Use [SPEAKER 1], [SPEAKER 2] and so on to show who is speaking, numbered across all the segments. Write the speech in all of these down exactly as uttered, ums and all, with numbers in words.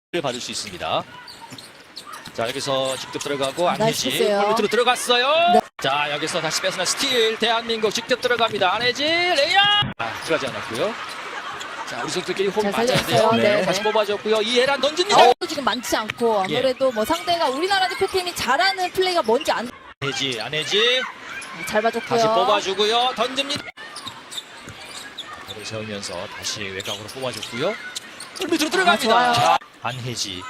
[SPEAKER 1] 받을 수 있습니다. 자, 여기서 직접 들어가고 안혜지
[SPEAKER 2] 나이스요.
[SPEAKER 1] 골밑으로 들어갔어요.
[SPEAKER 2] 네.
[SPEAKER 1] 자, 여기서 다시 뺏어낸 스틸. 대한민국 직접 들어갑니다. 안혜지 레이업. 아, 들어가지 않았고요. 자, 우리 선수들끼리 호흡
[SPEAKER 2] 잘
[SPEAKER 1] 맞아야
[SPEAKER 2] 살렸어요.
[SPEAKER 1] 돼요.
[SPEAKER 2] 네.
[SPEAKER 1] 다시 뽑아줬고요. 이해란 던집니다.
[SPEAKER 2] 어, 지금 많지 않고 아무래도 뭐 상대가 우리나라 대표팀이 잘하는 플레이가 뭔지 안
[SPEAKER 1] 안혜지, 안혜지
[SPEAKER 2] 잘 봐줬고요.
[SPEAKER 1] 다시 뽑아주고요. 던집니다. 머리 세우면서 다시 외곽으로 뽑아줬고요. 골밑으로 들어갑니다.
[SPEAKER 2] 아, 좋아요.
[SPEAKER 1] 자, 안혜지.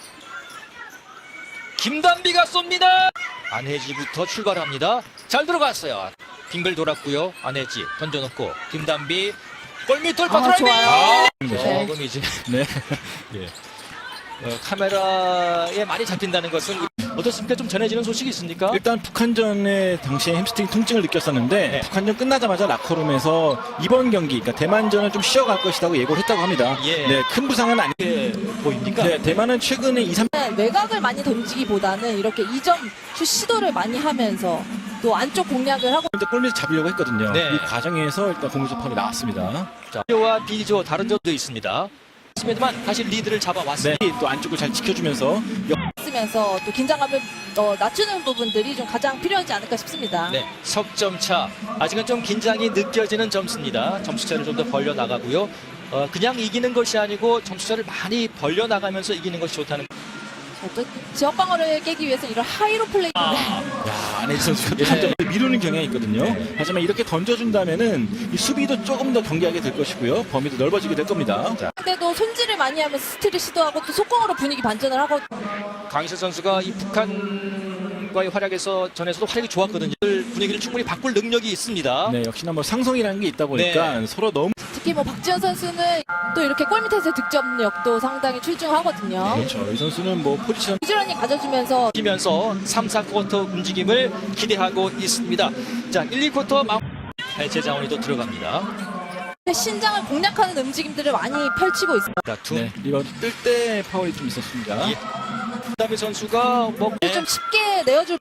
[SPEAKER 1] 김단비가 쏩니다. 안혜지부터 출발합니다. 잘 들어갔어요. 빙글 돌았고요. 안혜지 던져놓고 김단비 골밑 돌파
[SPEAKER 2] 아,
[SPEAKER 1] 드라이빙.
[SPEAKER 2] 좋아요.
[SPEAKER 1] 아,
[SPEAKER 2] 네.
[SPEAKER 1] 조금 이제 네. 예. 어, 카메라에 많이 잡힌다는 것은 어떻습니까? 좀 전해지는 소식이 있습니까?
[SPEAKER 3] 일단 북한전에 당시에 햄스트링 통증을 느꼈었는데
[SPEAKER 1] 네.
[SPEAKER 3] 북한전 끝나자마자 라커룸에서 이번 경기, 그러니까 대만전을 좀 쉬어갈 것이라고 예고를 했다고 합니다.
[SPEAKER 1] 예.
[SPEAKER 3] 네, 큰 부상은 아니.
[SPEAKER 1] 이게 보입니까?
[SPEAKER 3] 네, 대만은 최근에 이, 삼
[SPEAKER 2] 외곽을 많이 던지기보다는 이렇게 이 점 슛 시도를 많이 하면서 또 안쪽 공략을 하고
[SPEAKER 3] 때 골밑을 잡으려고 했거든요.
[SPEAKER 1] 네.
[SPEAKER 3] 이 과정에서 일단 공유적 파울이 나왔습니다.
[SPEAKER 1] 자, B조와 B조 다른 점도 있습니다. 스미드만 다시 리드를
[SPEAKER 3] 네,
[SPEAKER 1] 잡아왔습니다.
[SPEAKER 3] 또 안쪽을 잘 지켜주면서
[SPEAKER 2] 쓰면서 또 긴장감을 어, 낮추는 부분들이 좀 가장 필요하지 않을까 싶습니다.
[SPEAKER 1] 네, 석점 차. 아직은 좀 긴장이 느껴지는 점수입니다. 점수차를 좀 더 벌려 나가고요. 어, 그냥 이기는 것이 아니고 점수차를 많이 벌려 나가면서 이기는 것이 좋다는.
[SPEAKER 2] 또 지역 방어를 깨기 위해서 이런 하이로 플레이
[SPEAKER 1] 아,
[SPEAKER 3] 야, 안혜지 선수가
[SPEAKER 1] 예.
[SPEAKER 3] 한 점을 미루는 경향이 있거든요.
[SPEAKER 1] 네.
[SPEAKER 3] 하지만 이렇게 던져준다면은 이 수비도 조금 더 경계하게 될 것이고요. 범위도 넓어지게 될 겁니다. 자,
[SPEAKER 2] 상대도 손질을 많이 하면서 스틸을 시도하고 또 속공으로 분위기 반전을 하고
[SPEAKER 1] 강희철 선수가 이 북한과의 활약에서 전에서도 활약이 좋았거든요. 분위기를 충분히 바꿀 능력이 있습니다.
[SPEAKER 3] 네, 역시나 뭐 상성이라는 게 있다 보니까
[SPEAKER 1] 네.
[SPEAKER 3] 서로 너무
[SPEAKER 2] 특히 뭐 박지현 선수는 또 이렇게 골밑에서 득점력도 상당히 출중하거든요.
[SPEAKER 3] 그렇죠. 이 선수는 뭐 포지션
[SPEAKER 2] 부지런히 가져주면서
[SPEAKER 1] 뛰면서 삼, 사 쿼터 움직임을 기대하고 있습니다. 자, 일, 이 쿼터 마음 해체 자원이 또 들어갑니다.
[SPEAKER 2] 신장을 공략하는 움직임들을 많이 펼치고 있습니다.
[SPEAKER 1] 자, 두.
[SPEAKER 3] 네, 이번 뜰 때 파울이 좀 있었습니다.
[SPEAKER 1] 예. 김다비 선수가 뭐
[SPEAKER 2] 좀 쉽게 내어줄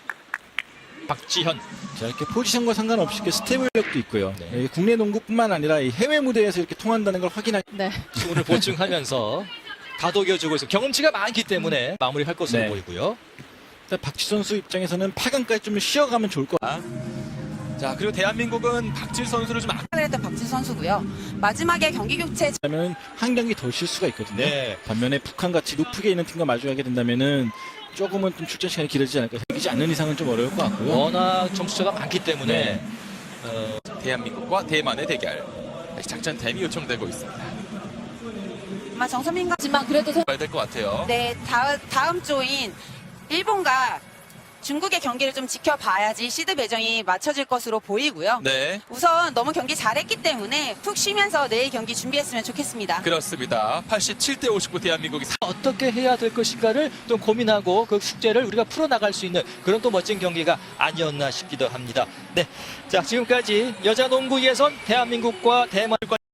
[SPEAKER 1] 박지현.
[SPEAKER 3] 자, 이렇게 포지션과 상관없이 이렇게 스텝력도 있고요.
[SPEAKER 1] 네.
[SPEAKER 3] 예, 국내 농구뿐만 아니라 이 해외 무대에서 이렇게 통한다는 걸 확인할.
[SPEAKER 2] 네.
[SPEAKER 1] 수훈을 보충하면서 다독여주고 있어. 경험치가 많기 때문에 마무리할 것으로
[SPEAKER 3] 네.
[SPEAKER 1] 보이고요.
[SPEAKER 3] 일단 박지 선수 입장에서는 팔 강까지 좀 쉬어가면 좋을 것 같아요.
[SPEAKER 4] 자, 그리고 대한민국은 박질 선수를 좀 악...
[SPEAKER 5] 했던 박진 선수고요. 마지막에 경기 교체
[SPEAKER 3] 그러면 한 경기 더 쉴 수가 있거든요.
[SPEAKER 1] 네.
[SPEAKER 3] 반면에 북한 같이 높게 있는 팀과 마주하게 된다면은 조금은 좀 출전 시간이 길어지지 않을까. 이기지 않는 이상은 좀 어려울 것 같고요.
[SPEAKER 1] 워낙 점수차가 많기 때문에
[SPEAKER 3] 네.
[SPEAKER 1] 어,
[SPEAKER 4] 대한민국과 대만의 대결. 다시 작전 댐이 요청되고 있습니다.
[SPEAKER 5] 아마 정선민과
[SPEAKER 2] 하지만 그래도 선-
[SPEAKER 4] 봐야 될 것 같아요.
[SPEAKER 5] 네, 다음, 다음 조인 일본과 중국의 경기를 좀 지켜봐야지 시드 배정이 맞춰질 것으로 보이고요.
[SPEAKER 4] 네,
[SPEAKER 5] 우선 너무 경기 잘했기 때문에 푹 쉬면서 내일 경기 준비했으면 좋겠습니다.
[SPEAKER 4] 그렇습니다. 팔십칠 대 오십구 대한민국이
[SPEAKER 1] 어떻게 해야 될 것인가를 좀 고민하고 그 숙제를 우리가 풀어나갈 수 있는 그런 또 멋진 경기가 아니었나 싶기도 합니다. 네, 자, 지금까지 여자 농구 예선 대한민국과 대만과